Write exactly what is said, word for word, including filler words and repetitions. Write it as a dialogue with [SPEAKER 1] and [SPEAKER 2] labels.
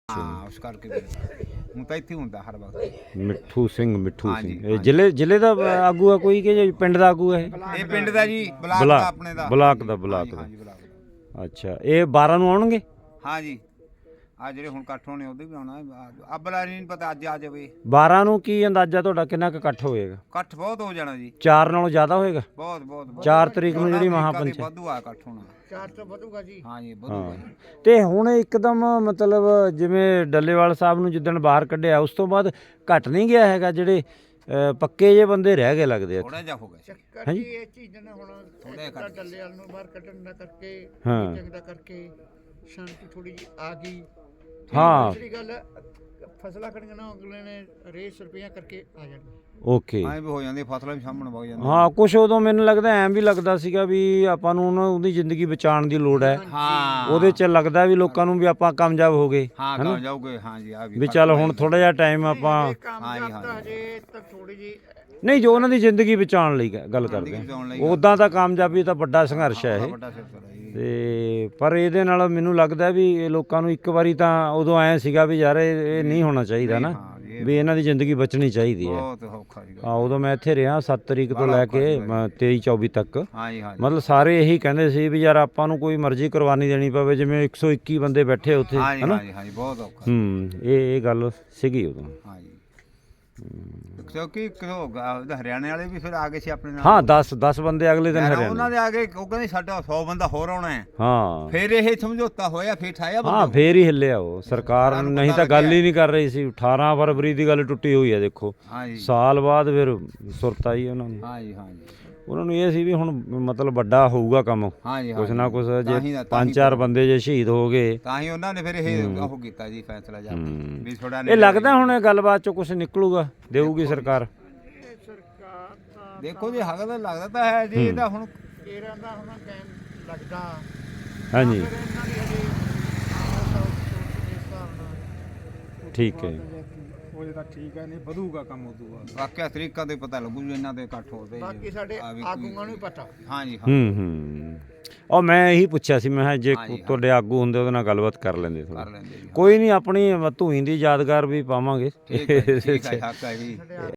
[SPEAKER 1] ਹਾਂ ਉਸ ਕਰਕੇ ਫਿਰ ਹੁਣ ਤਾਂ ਇੱਥੇ ਹੁੰਦਾ ਹਰ ਵਕਤ।
[SPEAKER 2] ਮਿੱਠੂ ਸਿੰਘ ਮਿੱਠੂ
[SPEAKER 1] ਹਾਂਜੀ,
[SPEAKER 2] ਸਿੰਘ ਇਹ ਜ਼ਿਲ੍ਹੇ ਜ਼ਿਲ੍ਹੇ ਦਾ ਆਗੂ ਆ ਕੋਈ ਕਿ ਪਿੰਡ ਦਾ ਆਗੂ ਹੈ ਇਹ?
[SPEAKER 1] ਇਹ ਪਿੰਡ ਦਾ ਜੀ, ਬਲਾਕ
[SPEAKER 2] ਬਲਾਕ-
[SPEAKER 1] ਦਾ ਆਪਣੇ ਦਾ।
[SPEAKER 2] ਬਲਾਕ ਦਾ, ਬਲਾਕ
[SPEAKER 1] ਹਾਂਜੀ,
[SPEAKER 2] ਦਾ।
[SPEAKER 1] ਹਾਂਜੀ, ਬਲਾਕ ਦਾ।
[SPEAKER 2] ਅੱਛਾ ਇਹ ਬਾਰਾਂ ਨੂੰ ਆਉਣਗੇ?
[SPEAKER 1] ਹਾਂ ਜੀ, ਆ ਜਿਹੜੇ ਹੁਣ ਇਕੱਠ ਹੋਣੇ ਉਹਦੇ ਵੀ ਆਉਣਾ। ਅੱਬਲਾ ਨਹੀਂ ਪਤਾ ਅੱਜ ਆ ਜਾਵੇ।
[SPEAKER 2] ਬਾਰਾਂ ਨੂੰ ਕੀ ਅੰਦਾਜ਼ਾ ਤੁਹਾਡਾ ਕਿੰਨਾ ਕੁ ਇਕੱਠ ਹੋਏਗਾ?
[SPEAKER 1] ਇਕੱਠ ਬਹੁਤ ਹੋ ਜਾਣਾ ਜੀ,
[SPEAKER 2] ਚਾਰ ਨਾਲੋਂ ਜ਼ਿਆਦਾ ਹੋਏਗਾ?
[SPEAKER 1] ਬਹੁਤ ਬਹੁਤ ਬਹੁਤ।
[SPEAKER 2] ਚਾਰ ਤਰੀਕ ਨੂੰ ਜਿਹੜੀ
[SPEAKER 1] ਚੌਦਾਂ
[SPEAKER 2] ਮਹਾਪੰਚਾਇਤ
[SPEAKER 1] ਵਾਧੂ ਆ ਇਕੱਠ ਹੋਣਾ।
[SPEAKER 3] ਚਾਰ ਤੋਂ ਵਧੂਗਾ ਜੀ।
[SPEAKER 1] ਹਾਂ ਜੀ, ਵਧੂਗਾ
[SPEAKER 2] ਹਾਂ
[SPEAKER 1] ਜੀ।
[SPEAKER 2] ਤੇ ਹੁਣ ਇੱਕਦਮ ਮਤਲਬ ਜਿਵੇਂ ਡੱਲੇਵਾਲ ਸਾਹਿਬ ਨੂੰ ਜਿੱਦਣ ਬਾਹਰ ਕੱਢਿਆ ਉਸ ਤੋਂ ਬਾਅਦ ਘਟ ਨਹੀਂ ਗਿਆ ਹੈਗਾ? ਜਿਹੜੇ ਅ, ਪੱਕੇ ਜੇ ਬੰਦੇ ਰਹਿ ਗਏ ਲੱਗਦੇ ਆ।
[SPEAKER 1] ਥੋੜਾ ਜਿਹਾ ਹੋ ਗਿਆ।
[SPEAKER 3] ਚੱਕਰ ਜੀ ਇਹ ਚੀਜ਼ ਨੇ ਹੁਣ
[SPEAKER 1] ਥੋੜ੍ਹਾ
[SPEAKER 3] ਇੱਕ ਤਾਂ
[SPEAKER 1] ਘੱਟ ਗਿਆ।
[SPEAKER 3] ਡੱਲੇ ਵਾਲ ਨੂੰ ਬਾਹਰ ਕੱਢਣ ਦਾ ਕਰਕੇ
[SPEAKER 2] ਹਾਂ।
[SPEAKER 3] ਜੰਗ ਦਾ ਕਰਕੇ ਸ਼ਾਂਤੀ ਥੋੜੀ ਜੀ ਆ ਗਈ।
[SPEAKER 2] ਹਾਂ।
[SPEAKER 3] ਦੂਸਰੀ ਗੱਲ ਫਸਲਾਂ ਖੜੀਆਂ ਨਾ ਅਗਲੇ ਨੇ ਰੇਸ ਰੁਪਈਆ ਕਰਕੇ ਆ ਜਾਣ।
[SPEAKER 2] ਓਕੇ
[SPEAKER 1] ਐਂ ਵੀ ਹੋ ਜਾਂਦੀ, ਫਸਲਾਂ ਵੀ ਸਾਹਮਣੇ ਵਗ ਜਾਂਦੀਆਂ।
[SPEAKER 2] ਹਾਂ ਕੁਛ ਉਦੋਂ ਮੈਨੂੰ ਲੱਗਦਾ ਐਂ ਵੀ ਲੱਗਦਾ ਸੀਗਾ ਵੀ ਆਪਾਂ ਨੂੰ ਉਹਨਾਂ ਉਹਦੀ ਜ਼ਿੰਦਗੀ ਬਚਾਉਣ ਦੀ ਲੋੜ ਹੈ।
[SPEAKER 1] ਹਾਂ
[SPEAKER 2] ਉਹਦੇ 'ਚ ਲੱਗਦਾ ਵੀ ਲੋਕਾਂ ਨੂੰ ਵੀ ਆਪਾਂ ਕਾਮਯਾਬ ਹੋ ਗਏ
[SPEAKER 1] ਹਾਂ ਕਾ ਜਾਓਗੇ। ਹਾਂ ਜੀ, ਆ ਵੀ
[SPEAKER 2] ਵੀ ਚੱਲ ਹੁਣ ਥੋੜਾ ਜਿਹਾ ਟਾਈਮ ਆਪਾਂ
[SPEAKER 1] ਹਾਂ ਜੀ,
[SPEAKER 3] ਕਾਮਯਾਬ
[SPEAKER 1] ਹਾਂ
[SPEAKER 3] ਤਾਂ ਹਜੇ ਤਾਂ ਥੋੜੀ ਜੀ
[SPEAKER 2] ਨਹੀਂ ਜੋ ਉਹਨਾਂ ਦੀ ਜ਼ਿੰਦਗੀ ਬਚਾਉਣ ਲਈ ਗ- ਗੱਲ ਕਰਦੇ
[SPEAKER 1] ਬਚਾਉਣ ਲਈ
[SPEAKER 2] ਹਾਂ ਉਦਾਂ ਤਾਂ ਕਾਮਯਾਬੀ ਤਾਂ ਵੱਡਾ ਸੰਘਰਸ਼ ਹੈ ਇਹ।
[SPEAKER 1] ਵੱਡਾ ਸਿਲਸਿਲਾ ਜੀ।
[SPEAKER 2] ਤੇ ਪਰ ਇਹਦੇ ਨਾਲ ਮੈਨੂੰ ਲੱਗਦਾ ਵੀ ਇਹ ਲੋਕਾਂ ਨੂੰ ਇੱਕ ਵਾਰੀ ਤਾਂ ਉਦੋਂ ਐਂ ਸੀਗਾ ਵੀ ਯਾਰ ਇਹ ਇਹ ਨਹੀਂ ਹੋਣਾ ਚਾਹੀਦਾ ਨਾ,
[SPEAKER 1] ਹਾਂ ਜੀ, ਇਹ
[SPEAKER 2] ਵੀ ਇਹਨਾਂ ਦੀ ਜ਼ਿੰਦਗੀ ਬਚਣੀ ਚਾਹੀਦੀ ਹੈ।
[SPEAKER 1] ਬਹੁਤ ਔਖਾ ਜੀ।
[SPEAKER 2] ਆ ਉਦੋਂ ਮੈਂ ਇੱਥੇ ਰਿਹਾ ਸੱਤ ਤਰੀਕ ਤੋਂ ਲੈ ਕੇ ਤੇਈ ਚੌਵੀ ਤੱਕ।
[SPEAKER 1] ਹਾਂ ਜੀ, ਹਾਂ ਜੀ।
[SPEAKER 2] ਮਤਲਬ ਸਾਰੇ ਇਹੀ ਕਹਿੰਦੇ ਸੀ ਵੀ ਯਾਰ ਆਪਾਂ ਨੂੰ ਕੋਈ ਮਰਜ਼ੀ ਕੁਰਬਾਨੀ ਦੇਣੀ ਪਵੇ, ਜਿਵੇਂ ਇੱਕ ਸੌ ਇੱਕੀ ਬੰਦੇ ਬੈਠੇ ਉੱਥੇ
[SPEAKER 1] ਹਾਂ ਜੀ,
[SPEAKER 2] ਹਨਾ।
[SPEAKER 1] ਹਾਂ ਜੀ, ਹਾਂ ਜੀ, ਬਹੁਤ ਔਖਾ।
[SPEAKER 2] ਹੂੰ ਇਹ ਇਹ ਗੱਲ ਸੀਗੀ ਉਦੋਂ।
[SPEAKER 1] ਹਾਂ ਜੀ, ਕਿਉਂਕਿ ਕਿਉਂ ਹਰਿਆਣੇ ਵਾਲੇ ਵੀ ਫਿਰ ਆ ਗਏ ਸੀ ਆਪਣੇ ਨਾਲ।
[SPEAKER 2] ਹਾਂ ਦਸ ਦਸ ਬੰਦੇ ਅਗਲੇ ਦਿਨ
[SPEAKER 1] ਯਾਰ
[SPEAKER 2] ਹਰਿਆਣਾ।
[SPEAKER 1] ਉਹਨਾਂ ਦੇ ਆ ਗਏ, ਉਹ ਕਹਿੰਦੇ ਸਾਡਾ ਸੌ ਬੰਦਾ ਹੋਰ ਆਉਣਾ ਹੈ।
[SPEAKER 2] ਹਾਂ
[SPEAKER 1] ਫਿਰ ਇਹ ਸਮਝੌਤਾ ਹੋਇਆ, ਫਿਰ ਠਾਇਆ
[SPEAKER 2] ਹਾਂ
[SPEAKER 1] ਬੰਦਾ।
[SPEAKER 2] ਫੇਰ ਹੀ ਹਿੱਲਿਆ ਉਹ ਸਰਕਾਰ,
[SPEAKER 1] ਸਾਨੂੰ
[SPEAKER 2] ਨਹੀਂ
[SPEAKER 1] ਪਤਾ
[SPEAKER 2] ਤਾਂ ਗੱਲ
[SPEAKER 1] ਲੱਗਿਆ।
[SPEAKER 2] ਹੀ ਨਹੀਂ ਕਰ ਰਹੀ ਸੀ। ਅਠਾਰਾਂ ਫਰਵਰੀ ਦੀ ਗੱਲ ਟੁੱਟੀ ਹੋਈ ਹੈ ਦੇਖੋ,
[SPEAKER 1] ਹਾਂ ਜੀ,
[SPEAKER 2] ਸਾਲ ਬਾਅਦ ਫਿਰ ਸੁਰਤ ਆਈ ਉਹਨਾਂ ਨੂੰ।
[SPEAKER 1] ਹਾਂ ਜੀ, ਹਾਂ ਜੀ,
[SPEAKER 2] ਉਹਨਾਂ ਨੂੰ ਇਹ ਸੀ ਵੀ ਹੁਣ ਮਤਲਬ ਵੱਡਾ ਹੋਊਗਾ ਕੰਮ,
[SPEAKER 1] ਹਾਂ ਜੀ, ਹਾਂ
[SPEAKER 2] ਕੁਛ
[SPEAKER 1] ਜੀ।
[SPEAKER 2] ਨਾ ਕੁਛ।
[SPEAKER 1] ਤਾਂ ਹੀ
[SPEAKER 2] ਜੇ
[SPEAKER 1] ਤਾਂ ਹੀ
[SPEAKER 2] ਪੰਜ ਚਾਰ ਬੰਦੇ ਜੇ ਸ਼ਹੀਦ ਹੋ ਗਏ
[SPEAKER 1] ਤਾਂ ਹੀ ਉਹਨਾਂ ਨੇ ਫਿਰ ਇਹ ਉਹ ਕੀਤਾ ਜੀ ਫੈਸਲਾ ਜਾ
[SPEAKER 2] ਹੂੰ।
[SPEAKER 1] ਵੀ ਥੋੜਾ
[SPEAKER 2] ਇਹ ਲੱਗਦਾ ਹੁਣ ਇਹ ਗੱਲਬਾਤ ਚੋਂ ਕੁਝ ਨਿਕਲੂਗਾ, ਦੇਊਗੀ ਸਰਕਾਰ।
[SPEAKER 3] ਇਹ ਸਰਕਾਰ ਤਾਂ
[SPEAKER 1] ਦੇਖੋ ਜੀ, ਹੱਕ ਤਾਂ ਲੱਗਦਾ ਤਾਂ ਹੈ ਜੀ। ਇਹਦਾ ਹੁਣ
[SPEAKER 3] ਕੇਰਾਂ ਦਾ ਹੁਣ ਟਾਈਮ ਲੱਗਦਾ।
[SPEAKER 2] ਹਾਂਜੀ
[SPEAKER 3] ਫਿਰ ਇਹਨਾਂ ਦੀ ਹਜੇ ਆਹ ਸੌ ਸੌ ਦੇ ਹਿਸਾਬ ਨਾਲ
[SPEAKER 2] ਠੀਕ ਹੈ।
[SPEAKER 4] ਉਹਦੇ ਤਾਂ ਠੀਕ ਹੈ, ਨਹੀਂ ਵਧੂਗਾ ਕੰਮ ਉਦੋਂ ਬਾਅਦ।
[SPEAKER 1] ਵਾਕਿਆ ਤਰੀਕਾ ਤੇ ਪਤਾ ਲੱਗੂ ਜੀ ਇਹਨਾਂ ਦੇ ਇਕੱਠ ਹੋਦੇ।
[SPEAKER 3] ਬਾਕੀ ਸਾਡੇ ਆਗੂਆਂ ਨੂੰ ਵੀ ਪਤਾ।
[SPEAKER 1] ਹਾਂ ਜੀ, ਹਾਂ
[SPEAKER 2] ਹੂੰ ਹੂੰ ਉਹ ਮੈਂ ਇਹੀ ਪੁੱਛਿਆ ਸੀ, ਮੈਂ ਕਿਹਾ ਜੇ
[SPEAKER 1] ਹਾਂਜੀ, ਹਾਂ।
[SPEAKER 2] ਤੁਹਾਡੇ ਆਗੂ ਹੁੰਦੇ ਉਹਦੇ ਨਾਲ ਗੱਲਬਾਤ ਕਰ ਲੈਂਦੇ
[SPEAKER 1] ਕਰ
[SPEAKER 2] ਥੋੜਾ।
[SPEAKER 1] ਲੈਂਦੇ ਜੀ।
[SPEAKER 2] ਕੋਈ ਨਹੀਂ, ਆਪਣੀ ਧੂਈ ਦੀ ਯਾਦਗਾਰ ਵੀ ਪਾਵਾਂਗੇ।
[SPEAKER 1] ਠੀਕ ਹੈ ਜੀ, ਠੀਕ ਹੈ, ਹੱਕ ਹੈ ਜੀ।